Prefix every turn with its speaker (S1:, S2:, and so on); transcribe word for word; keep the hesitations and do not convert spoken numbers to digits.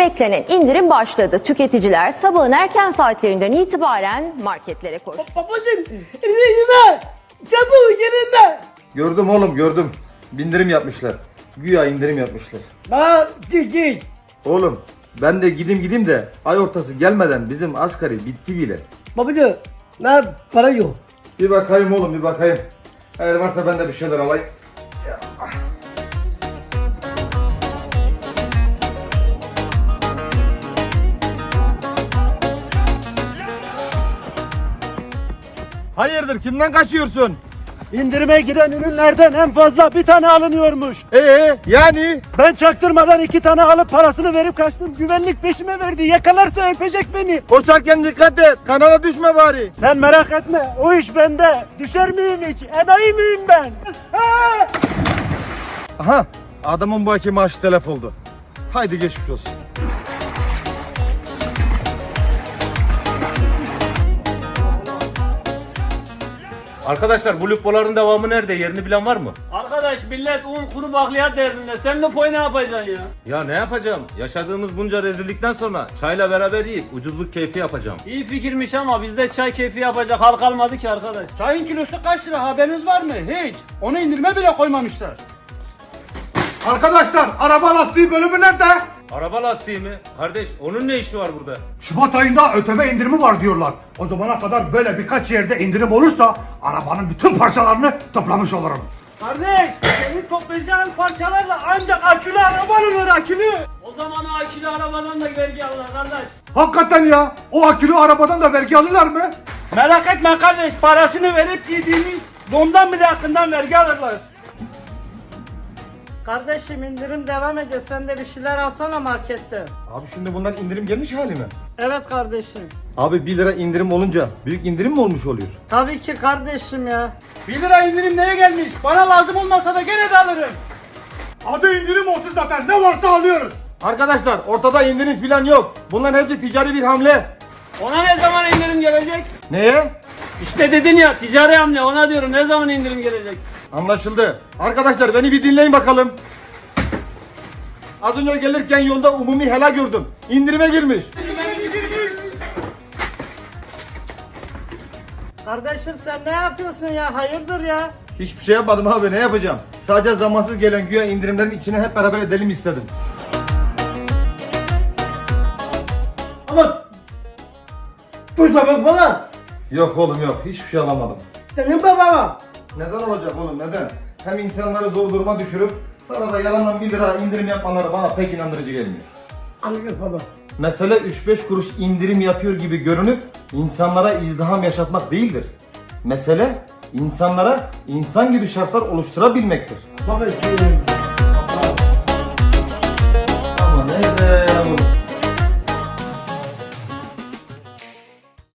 S1: beklenen indirim başladı. Tüketiciler sabahın erken saatlerinden itibaren marketlere koştu.
S2: Babacım, elime, çabuk elime.
S3: Gördüm oğlum gördüm. Bindirim yapmışlar. Güya indirim yapmışlar.
S2: Ha, git git.
S3: Oğlum ben de gideyim gideyim de ay ortası gelmeden bizim asgari bitti bile.
S2: Babacım, ne para yok.
S3: Bir bakayım oğlum bir bakayım. Eğer varsa ben de bir şeyler alayım. Hayırdır kimden kaçıyorsun?
S4: İndirime giren ürünlerden en fazla bir tane alınıyormuş.
S3: Ee yani?
S4: Ben çaktırmadan iki tane alıp parasını verip kaçtım. Güvenlik peşime verdi. Yakalarsa öpecek beni.
S3: Koşarken dikkat et. Kanala düşme bari.
S4: Sen merak etme. O iş bende. Düşer miyim hiç? Enayi miyim ben?
S3: Aha adamın bu aki maaşı telef oldu. Haydi geçmiş olsun.
S5: Arkadaşlar bu lupoların devamı nerede? Yerini bilen var mı?
S6: Arkadaş millet un kuru bakliyat derdinde. Sen lupoyu ne yapacaksın ya?
S5: Ya ne yapacağım? Yaşadığımız bunca rezillikten sonra çayla beraber yiyip ucuzluk keyfi yapacağım.
S6: İyi fikirmiş ama bizde çay keyfi yapacak hal kalmadı ki arkadaş.
S7: Çayın kilosu kaç lira haberiniz var mı? Hiç. Onu indirime bile koymamışlar.
S4: Arkadaşlar araba lastiği bölümü nerede?
S5: Araba lastiği mi? Kardeş onun ne işi var burada?
S4: Şubat ayında ÖTV indirimi var diyorlar. O zamana kadar böyle birkaç yerde indirim olursa arabanın bütün parçalarını toplamış olurum.
S7: Kardeş, senin toplayacağın parçalarla ancak akülü araba olur akülü.
S6: O zaman o akülü arabadan da vergi alır kardeş.
S4: Hakikaten ya, o akülü arabadan da vergi alırlar mı?
S7: Merak etme kardeş, parasını verip giydiğimiz dondan bile hakkından vergi alırlar.
S8: Kardeşim indirim devam ediyor. Sen de bir şeyler alsana markette.
S3: Abi şimdi bunlar indirim gelmiş hali mi?
S8: Evet kardeşim.
S3: Abi bir lira indirim olunca büyük indirim mi olmuş oluyor?
S8: Tabii ki kardeşim ya.
S7: bir lira indirim neye gelmiş? Bana lazım olmasa da gene de alırım.
S4: Adı indirim olsun zaten, ne varsa alıyoruz.
S3: Arkadaşlar ortada indirim falan yok. Bunların hepsi ticari bir hamle.
S6: Ona ne zaman indirim gelecek?
S3: Neye?
S6: İşte dedin ya ticari hamle, ona diyorum ne zaman indirim gelecek?
S3: Anlaşıldı. Arkadaşlar beni bir dinleyin bakalım. Az önce gelirken yolda umumi helal gördüm. İndirime girmiş.
S8: Kardeşim sen ne yapıyorsun ya? Hayırdır ya?
S3: Hiçbir şey yapmadım abi, ne yapacağım? Sadece zamansız gelen güya indirimlerin içine hep beraber edelim istedim.
S2: Ama tuzla bak bana.
S3: Yok oğlum yok, hiçbir şey alamadım.
S2: Senin babama.
S3: Neden olacak oğlum, neden? Hem insanları zor duruma düşürüp sonra da yalandan bir lira indirim yapmaları bana pek inandırıcı gelmiyor.
S2: Anladın baba.
S3: Mesele üç beş kuruş indirim yapıyor gibi görünüp insanlara izdiham yaşatmak değildir. Mesele insanlara insan gibi şartlar oluşturabilmektir.
S2: Baba,